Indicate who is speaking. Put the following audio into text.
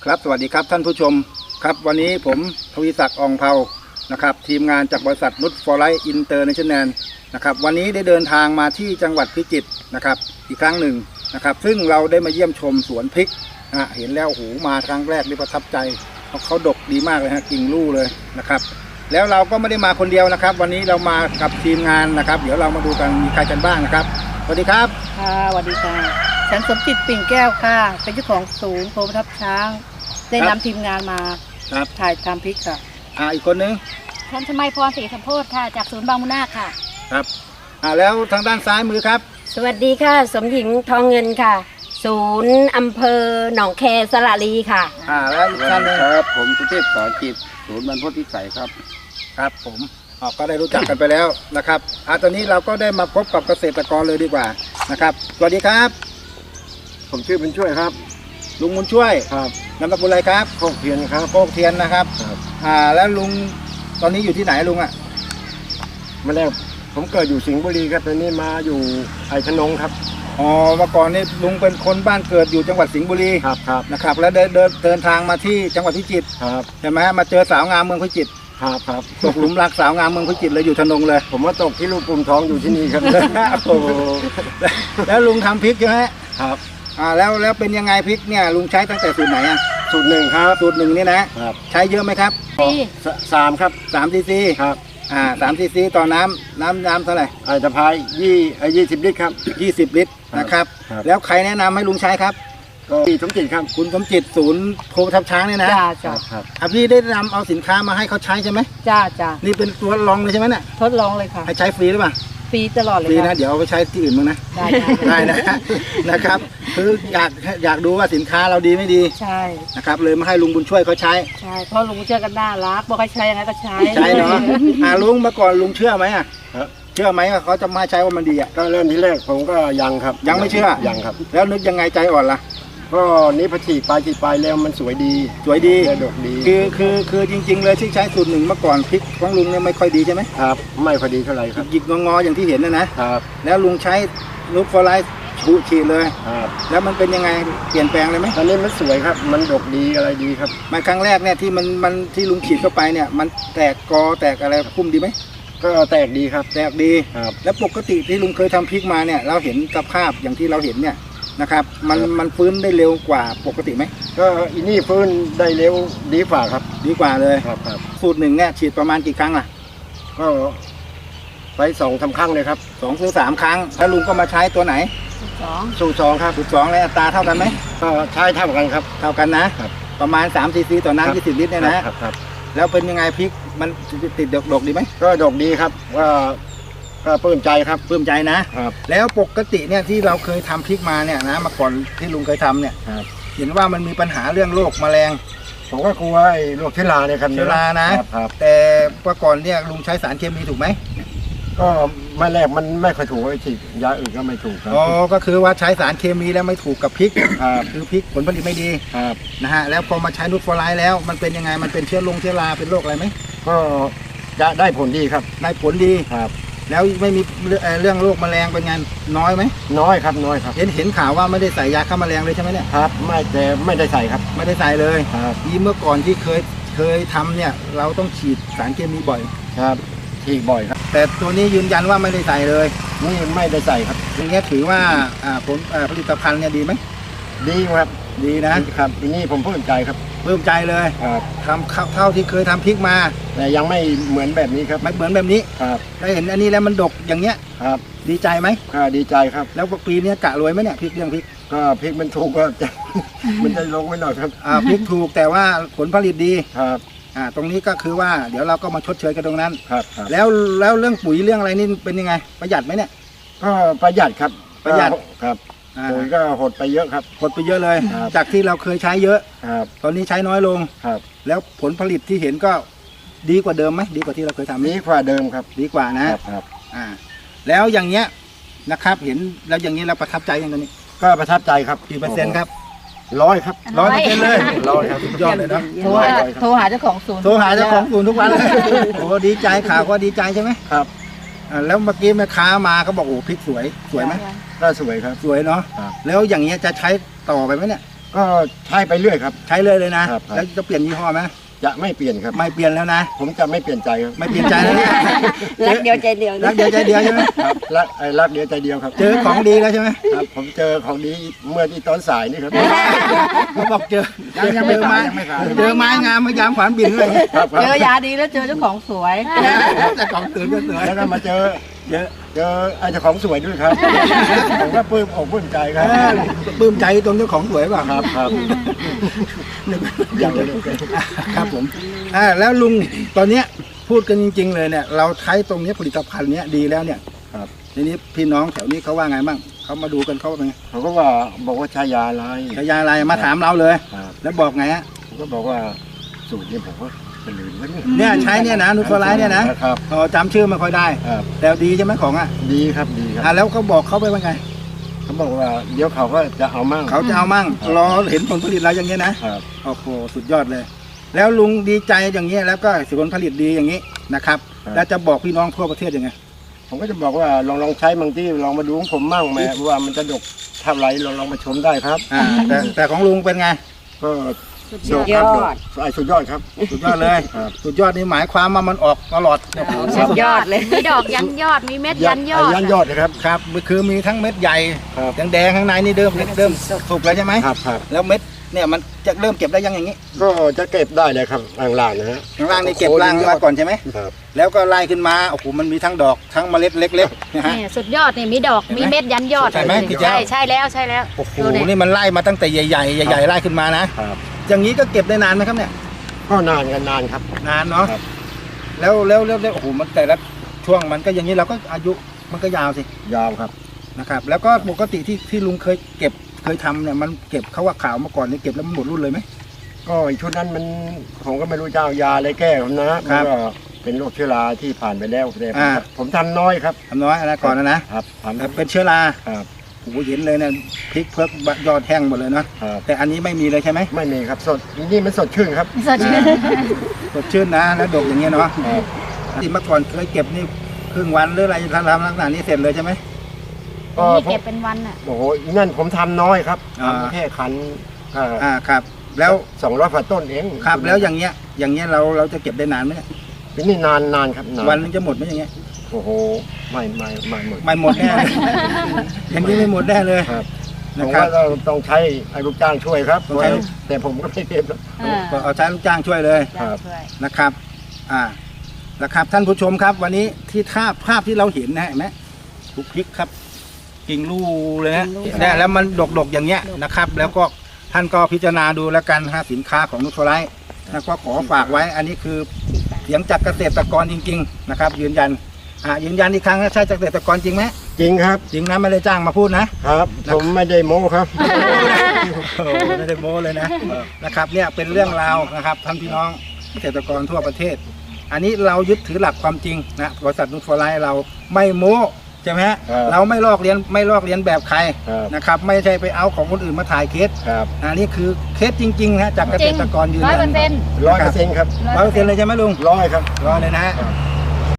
Speaker 1: ครับสวัสดีครับท่านผู้ชมครับวันนี้ผมทวีศักดิ์อองเภานะครับทีมงานจากบริษัทนุชฟอร์ไลท์อินเตอร์เนชั่นแนลนะครับวันนี้ได้เดินทางมาที่จังหวัดพิจิตรนะครับอีกครั้งหนึ่งนะครับซึ่งเราได้มาเยี่ยมชมสวนพริกเห็นแล้วโอ้โหมาครั้งแรกนี่ประทับใจเพราะเขาดกดีมากเลยฮะกิ่งลู่เลยนะครับแล้วเราก็ไม่ได้มาคนเดียวนะครับวันนี้เรามากับทีมงานนะครับเดี๋ยวเรามาดูกันมีใครกันบ้างนะครับสวัสดีครับ
Speaker 2: ค่ะสวัสดีค่ะฉันสมจิตปิ่นแก้วค่ะเป็นเจ้าของศูนย์โพประทับช้างได้นำทีมงานมาถ่ายทำพริกค่ะ
Speaker 1: อีกคนนึง
Speaker 3: ฉันชมัยพรศรีสัมโพธิ์ค่ะจากศูนย์บางมุนาค่ะ
Speaker 1: ครับแล้วทางด้านซ้ายมือครับ
Speaker 4: สวัสดีค่ะสมหญิงทองเงินค่ะศูนย์อำเภอหนองแคสระลีค่ะ
Speaker 1: แล้วอีกท่านนึง
Speaker 5: ครับผมสุเทพสอนจิตศูนย์บรรพตพิสัยครับ
Speaker 1: ครับผมก็ได้รู้จักกันไปแล้วนะครับตอนนี้เราก็ได้มาพบกับเกษตรกรเลยดีกว่านะครับสวัสดีครับ
Speaker 5: ผมชื่อบุญช่วยครับ
Speaker 1: ลุงบุญช่วย
Speaker 5: ครับ
Speaker 1: นามสกุลอะไรครับ
Speaker 5: โคกเทียนครับ
Speaker 1: โคกเทียนนะครับแล้วลุงตอนนี้อยู่ที่ไหนลุง
Speaker 5: มาแล้วผมเกิดอยู่สิงห์บุรีครับตอนนี้มาอยู่ไผ่ขนงครับ
Speaker 1: เมื่อก่อนนี่ลุงเป็นคนบ้านเกิดอยู่จังหวัดสิงห์บุรี
Speaker 5: ครับ
Speaker 1: นะครับแล้วเดินทางมาที่จังหวัดพิจิตร
Speaker 5: ครับ
Speaker 1: ใช่ไหมมาเจอสาวงามเมืองพิจิตร
Speaker 5: ครับ
Speaker 1: ตกหลุมรักสาวงามเมืองพิจิตรเลยอยู่ธนงเลย
Speaker 5: ผมว่าตกที่ลูกปุ่มท้องอยู่ที่นี่ครับ
Speaker 1: โอ้แล้วลุงทำพริกใช่ไหม
Speaker 5: ครับ
Speaker 1: แล้วเป็นยังไงพริกเนี่ยลุงใช้ตั้งแต่สูตรไหน
Speaker 5: สูตรหนึ่งครับ
Speaker 1: สูตรหนึ่งนี่นะครับใช้เยอะไหมครับ
Speaker 5: 3ครับ
Speaker 1: 3 ซีซี
Speaker 5: ครับ
Speaker 1: 3 ซีซีต่อน้ำเท่าไหร่
Speaker 5: จะพาย20 ลิตรครับ
Speaker 1: 20 ลิตรนะครับแล้วใครแนะนำให้ลุงใช้ครับ
Speaker 5: ก็สมจิตครับ
Speaker 1: คุณสมจิตศูนย์โพประทับช้างเนี่ยนะ
Speaker 2: จ้า
Speaker 1: พี่ได้นำเอาสินค้ามาให้เขาใช้ใช่ไหม
Speaker 2: จ้า
Speaker 1: นี่เป็นตัวลองเลยใช่ไหมเนี่ย
Speaker 2: ทดลองเลยค่ะ
Speaker 1: ให้ใช้ฟรีหรือเปล่า
Speaker 2: ฟรีตลอดเลย
Speaker 1: ฟรีนะเดี๋ยวเอาไปใช้ที่อื่นมั้งนะได้นะครับคืออยากดูว่าสินค้าเราดีไม่ดี
Speaker 2: ใช่
Speaker 1: นะครับเลยมาให้ลุงบุญช่วยเขาใช้
Speaker 2: ใช่เพราะลุงบุญช่วยกันน่ารักบอกให้ใช้ยังไงก็ใช้
Speaker 1: เนาะลุงเมื่อก่อนลุงเชื่อไหมเชื่อไหมว่าเขาจะมาใช้ว่ามันดี
Speaker 5: ก็เริ่มที่แรกผมก็ยังครับ
Speaker 1: ยังไม่เชื่อ
Speaker 5: ยังครับ
Speaker 1: แล้วนึกยังไงใจอ่อนล่ะ
Speaker 5: ก็นี้พอฉีดไปแล้วมันสวยดีดกดี
Speaker 1: คือจริงๆเลยที่ใช้สูตรหนึ่งเมื่อก่อนพริกของลุงเนี่ยไม่ค่อยดีใช่ไหม
Speaker 5: ครับไม่ค่อยดีเท่าไหร่ครับ
Speaker 1: หยิกงออย่างที่เห็น
Speaker 5: นะครับ
Speaker 1: แล้วลุงใช้นุชฟอร์ไลท์ฉีดเลย
Speaker 5: ครับ
Speaker 1: แล้วมันเป็นยังไงเปลี่ยนแปลงเลยไหม
Speaker 5: ตอนนี้มันสวยครับมันดกดีอะไรดีครับ
Speaker 1: มาครั้งแรกเนี่ยที่มันที่ลุงฉีดเข้าไปเนี่ยมันแตกกอแตกอะไรพุ่มดีไหม
Speaker 5: ก็แตกดีครับ
Speaker 1: แตกดี
Speaker 5: ครับ
Speaker 1: แล้วปกติที่ลุงเคยทำพริกมาเนี่ยเราเห็นสภาพอย่างที่เราเห็นเนี่ยนะครับมันฟื้นได้เร็วกว่าปกติไหม
Speaker 5: ก็อีนี่ฟื้นได้เร็วดีกว่าครับ
Speaker 1: ดีกว่าเลย
Speaker 5: ครับ
Speaker 1: สูตรหนึ่งเนี่ยฉีดประมาณกี่ครั้งล่ะ
Speaker 5: ก็ไป2-3 ครั้งเลยครับ
Speaker 1: 2 ถึง 3 ครั้งแล้วลุงก็มาใช้ตัวไหน
Speaker 5: สูตร 2ครับ
Speaker 1: สูตร 2แล้วอัตราเท่ากันไหม
Speaker 5: ก็ใช้เท่ากันครับ
Speaker 1: เท่ากันนะครับประมาณ3 ซีซีต่อน้ำ20 ลิตรเนี่ยนะครับแล้วเป็นยังไงพริกมันติดดกดีไหม
Speaker 5: ก็ดกดีครับว่าก็ปลื้มใจครับ
Speaker 1: ปลื้มใจนะครับแล้วปกติเนี่ยที่เราเคยทำพริกมาเนี่ยนะมาก่อนที่ลุงเคยทำเนี่ยเห็นว่ามันมีปัญหาเรื่องโรคแมลง
Speaker 5: ผมก็กลัวไอ้โรคเชื้อราเนี่ยครับ
Speaker 1: เชื้อรานะแต่เมื่อก่อนเนี่ยลุงใช้สารเคมีถูกไหม
Speaker 5: ก็ไม่แรกมันไม่ค่อยถูกไอ้ฉีดยาอื่นก็ไม่ถูกครับ
Speaker 1: ก็คือว่าใช้สารเคมีแล้วไม่ถูกกับพริกคือพริกผลผลิตไม่ดีนะฮะแล้วพอมาใช้นูตฟอร์ไลท์แล้วมันเป็นยังไงมันเป็นเชื้อราเป็นโรคอะไรไหม
Speaker 5: ก็จะได้ผลดีครับ
Speaker 1: ได้ผลดีแล้วไม่มีเรื่องโรคแมลงเป็นไงน้อยไหม
Speaker 5: น้อยครับ
Speaker 1: เห็นข่าวว่าไม่ได้ใส่ยาฆ่าแมลงเลยใช่ไหมเนี่ย
Speaker 5: ครับไม่ได้ใส่ครับ
Speaker 1: ไม่ได้ใส่เลยที่เมื่อก่อนที่เคยทำเนี่ยเราต้องฉีดสารเคมีบ่อย
Speaker 5: ครับฉีดบ่อยครับ
Speaker 1: แต่ตัวนี้ยืนยันว่าไม่ได้ใส่เลย
Speaker 5: นี่ไม่ได้ใส่ครับ
Speaker 1: อย่างเงี้ยถือว่าผลิตภัณฑ์เนี่ยดีไหม
Speaker 5: ดีครับ
Speaker 1: ดี
Speaker 5: นะครับทีนี้ผมปลื้มใจครับ
Speaker 1: ปลื้มใจเลยทำเท่าที่เคยทำพริกมา
Speaker 5: แต่ยังไม่เหมือนแบบนี้ครับ
Speaker 1: ไม่เหมือนแบบนี้
Speaker 5: ครับ
Speaker 1: ได้เห็นอันนี้แล้วมันดกอย่างเงี้ย
Speaker 5: ครับ
Speaker 1: ดีใจไหม
Speaker 5: ดีใจครับ
Speaker 1: แล้วปีนี้กะรวยไหมเนี่ยพริกเรื่องพริก
Speaker 5: ก็พริกมันถูกก็จะมันจะลงไว้หน่อยครับ
Speaker 1: พริกถูกแต่ว่าผลผลิตดี
Speaker 5: ครับ
Speaker 1: ตรงนี้ก็คือว่าเดี๋ยวเราก็มาชดเชยกันตรงนั้น
Speaker 5: ครับ
Speaker 1: แล้วเรื่องปุ๋ยเรื่องอะไรนี่เป็นยังไงประหยัดไหมเนี่ย
Speaker 5: ก็ประหยัดครับ
Speaker 1: ประหยัด
Speaker 5: ครับปุ๋ยก็หดไปเยอะครับ
Speaker 1: หดไปเยอะเลยจากที่เราเคยใช้เยอะตอนนี้ใช้น้อยลงแล้วผลผลิตที่เห็นก็ดีกว่าเดิมไหมดีกว่าที่เราเคยทำ
Speaker 5: ดีกว่าเดิมครับ
Speaker 1: ดีกว่านะครับแล้วอย่างเงี้ยนะครับเห็นแล้วอย่างนี้เราประทับใจอย่างนี้
Speaker 5: ก็ประทับใจครับ
Speaker 1: กี่เปอร์เซ็นต์ครับ
Speaker 5: 100ครับ
Speaker 1: 100%เลย
Speaker 5: ครับ
Speaker 1: สุดยอดเลยนะ
Speaker 2: โทรหาเจ้าของศูนย์
Speaker 1: ทุกวันเลยโอ้ดีใจข่าวก็ดีใจใช่ไหม
Speaker 5: ครับ
Speaker 1: แล้วเมื่อกี้แม่ค้ามาก็บอกโอ้พริกสวยไหม
Speaker 5: ก็สวยครับ
Speaker 1: สวยเนาะแล้วอย่างเงี้ยจะใช้ต่อไปไหมเนี่ย
Speaker 5: ก็ใช้ไปเรื่อยครับ
Speaker 1: ใช้เลยนะครับ แล้วจะเปลี่ยนยี่ห้อไหม
Speaker 5: จะไม่เปลี่ยนครับ
Speaker 1: ไม่เปลี่ยนแล้วนะ
Speaker 5: ผมจะไม่เปลี่ยนใจครับ
Speaker 1: ไม่เปลี่ยนใจแล้วนะ
Speaker 4: รักเดียวใจเดียว
Speaker 1: รักเดียวใจเดียวใช่ไหม
Speaker 5: ครับรักเดียวใจเดียวครับ
Speaker 1: เจอของดีแล้วใช่ไหม
Speaker 5: ครับ ผมเจอของดีเมื่อที่ตอนสายนี่ครับ
Speaker 1: เขาบอกเจอ
Speaker 5: ยังไม่
Speaker 1: เจอไม้
Speaker 5: ขายยังไม่ขาย
Speaker 1: เจอไม้งามมายามขวานบินอะไรอย่างเงี้ย
Speaker 5: ครับ
Speaker 2: เจอยาดีแล้วเจอเจ้าของสวย
Speaker 1: แต่ของตื่นก็สวย
Speaker 5: แล้วก็มาเจอ
Speaker 1: เยอะ
Speaker 5: ไอ้เจ้าของสวยด้วยครับ ผมก็ปลื้มอกปลื้มใจครับ
Speaker 1: ปลื้มใจตรงเจ้าของสวยเปล่ะ
Speaker 5: ครับครับอย่างเดียวกัน
Speaker 1: ครับผมแล้วลุงตอนเนี้ยพูดกันจริง ๆ เลยเนี่ยเราใช้ตรงเนี้ยผลิตภัณฑ์เนี้ยดีแล้วเนี่ย
Speaker 5: ครับ
Speaker 1: ทีนี้พี่น้องแถวนี้เขาว่าไงบ้างเขามาดูกันเขาว่าไง
Speaker 5: เขาก็ว่าบอกว่าใช้ยาอะไร
Speaker 1: ฉายาอะไรมาถามเราเลย
Speaker 5: ครับ
Speaker 1: แล้วบอกไงฮะ
Speaker 5: ผมก็บอกว่าสูตรนี้ผมก็เป็นลืมแล้วนี่
Speaker 1: เนี่ยใช้เนี่ยนะนูโตไลท์เนี่ยนะครับ อ๋อจำชื่อไม่ค่อยได้
Speaker 5: ครับ
Speaker 1: แต่ดีใช่ไหมของอ่ะ
Speaker 5: ดีครับดีครับ
Speaker 1: แล้วเขาบอกเขาไปว่าไง
Speaker 5: เขาบอกว่าเดี๋ยวเขาก็จะเอามั่ง
Speaker 1: เขาจะเอามั่ง
Speaker 5: ครับ
Speaker 1: รอเห็นผลผลิตเราอย่างเงี้ยนะครับ โอ้โหสุดยอดเลย แล้วลุงดีใจอย่างเงี้ยแล้วก็ผลผลิตดีอย่างงี้นะครับแล้วจะบอกพี่น้องทั่วประเทศยังไง
Speaker 5: ผมก็จะบอกว่าลองใช้บางที่ลองมาดูของผมมั่งแม่ว่ามันจะดกเท่าไหรลองมาชมได้ครับ
Speaker 1: แต่ของลุงเป็นไง
Speaker 5: ก็
Speaker 4: สุดยอด
Speaker 5: สุดยอดครับ
Speaker 1: สุดยอดเลย
Speaker 5: ครับ
Speaker 1: สุดยอดนี่หมายความว่ามันออกตลอดเนี่ย
Speaker 4: สุดยอดเลย
Speaker 3: มีดอกยันยอด มีเม็ดยันยอด
Speaker 5: ยันยอดนะครับ
Speaker 1: ครับคือมีทั้งเม็ดใหญ่
Speaker 5: ครับ
Speaker 1: แดงๆข้างในนี่เริ่มสุกแล้วใช่ไหม
Speaker 5: ครับครับ
Speaker 1: แล้วเม็ดเนี่ยมันจะเริ่มเก็บได้ยังอย่างนี้
Speaker 5: ก็จะเก็บได้เลยครับล่างๆนะฮะ
Speaker 1: ข้างล่างนี่เก็บล่างมาก่อนใช่ไหม
Speaker 5: ครับ
Speaker 1: แล้วก็ไล่ขึ้นมาโอ้โหมันมีทั้งดอกทั้งเมล็ดเล็กๆนะฮะ
Speaker 3: นี่สุดยอดนี่มีดอก มีเม็ดยันยอด
Speaker 1: ใช่ไหมพี่เจ้า
Speaker 3: ใช่แล้วใช่แล้ว
Speaker 1: โอ้โห
Speaker 3: ดูดิ
Speaker 1: นี่มันไล่มาตั้งแต่ใหญ่ๆไล่ขึ้นมานะครับ อย่างนี้ก็เก็บได้นานไหมครับเนี่ย
Speaker 5: ก็นานกันนานครับ
Speaker 1: นานเนาะ
Speaker 5: ครับ
Speaker 1: แล้วโอ้โหมันแต่ละช่วงมันก็อย่างนี้เราก็อายุมันก็ยาวสิ
Speaker 5: ยาวครับ
Speaker 1: นะครับแล้วก็ปกติที่ลุงเคยทำเนี่ยมันเก็บเขาว่าขาวมาก่อนนี่เก็บแล้วมันหมดรุ่นเลยไหม
Speaker 5: ก็อีกชุดนั้นมันผมก็ไม่รู้จะเอายาอะไรแก้ผมนะ
Speaker 1: ครั
Speaker 5: มัน
Speaker 1: บ
Speaker 5: ก็เป็นโรคเชื้อราที่ผ่านไปแล้วแต่
Speaker 1: อ่า
Speaker 5: ผมทำน้อยครับ
Speaker 1: ทำน้อยนะก่อนนะครับ
Speaker 5: ทำ
Speaker 1: แต่เป็นเชื้อรา
Speaker 5: ครับ
Speaker 1: โอ้โหเห็นเลยเนี่ยพริกเพิกยอดแห้งหมดเลยนะครับ แต่อันนี้ไม่มีเลยใช่ไหม
Speaker 5: ไม่มีครับสดนี่มันสดชื่นครับ
Speaker 3: สดชื่น
Speaker 1: สดชื่นนะแล้วดกอย่างเงี้ยเนาะ
Speaker 5: ครับ
Speaker 1: ที่เมื่อก่อนเคยเก็บนี่ครึ่งวันหรืออะไรทำลักษณะนี้เสร็จเลยใช่ไหม
Speaker 5: ก็
Speaker 3: นี่
Speaker 5: ผม
Speaker 3: เก็บเป็นวันอ่ะ
Speaker 5: โอ้โหนั่นผมทำน้อยครับ
Speaker 1: อ่า
Speaker 5: ทำแค่คัน
Speaker 1: ครับ แล้ว
Speaker 5: 200ฝ่าต้นเอง
Speaker 1: ครับแล้วอย่างเงี้ยเราจะเก็บได้นานไหมเนี่ย
Speaker 5: นี่นานครับนาน
Speaker 1: วันนึงจะหมดไหมอย่างเงี้ย
Speaker 5: โอ้โหไม่หมด
Speaker 1: ไม่หมดแน่เลยอย่างนี้ไม่หมดแน่เลย
Speaker 5: ครับผ
Speaker 1: นะ
Speaker 5: ม
Speaker 1: ครั
Speaker 5: ว่า
Speaker 1: บ
Speaker 5: เราต้องใช้ไอ้ลูกจ้างช่วยครับ
Speaker 1: ต้องใช้
Speaker 5: แต่ผมก็ไม่เก็บหรอก
Speaker 1: ก็เอาใช้ลูกจ้างช่วยเลย
Speaker 5: ครับ
Speaker 1: นะครับนะครับท่านผู้ชมครับ วันนี้ที่ภาพที่เราเห็นนะเห็นไหมทุกพริกครับกิ่งลูเลยนะเนี่ยแล้วมันดกอย่างเงี้ยนะครับ แล้วก็ท่านก็พิจารณาดูแล้วกันสินค้าของนูโตไลท์แล้วก็ขอฝากไว้ อันนี้คือเสียงจากเกษตรกรจริง ๆ นะครับ ยืนยันอีกครั้งนะใช่จากเกษตรกรจริงไหม
Speaker 5: จริงครับ
Speaker 1: จริงนะไม่ได้จ้างมาพูดนะครับ
Speaker 5: ผมไม่ได้โม้ครับ
Speaker 1: โอ้โหไม่ได้โม้เลยนะครับเนี่ยเป็นเรื่องราวนะครับท่านพี่น้องเกษตรกรทั่วประเทศ อันนี้เรายึดถือหลักความจริงนะบริษัทนูโตไลท์เราไม่โม้ใช่ไหมฮะ
Speaker 5: ครับ
Speaker 1: เราไม่ลอกเลียนแบบใคร
Speaker 5: ครับ
Speaker 1: นะครับไม่ใช่ไปเอาของคนอื่นมาถ่ายเคส
Speaker 5: ครับ
Speaker 1: อันนี้คือเคสจริงๆนะจากเก
Speaker 3: จ
Speaker 1: ษ
Speaker 3: ริง
Speaker 1: ตรกรยืน
Speaker 3: 100%
Speaker 1: ยัน
Speaker 5: 100%ครับ
Speaker 1: 100%เลยใช่ไหมลุง
Speaker 5: 100ครับ
Speaker 1: ร้อยเลยนะฮะ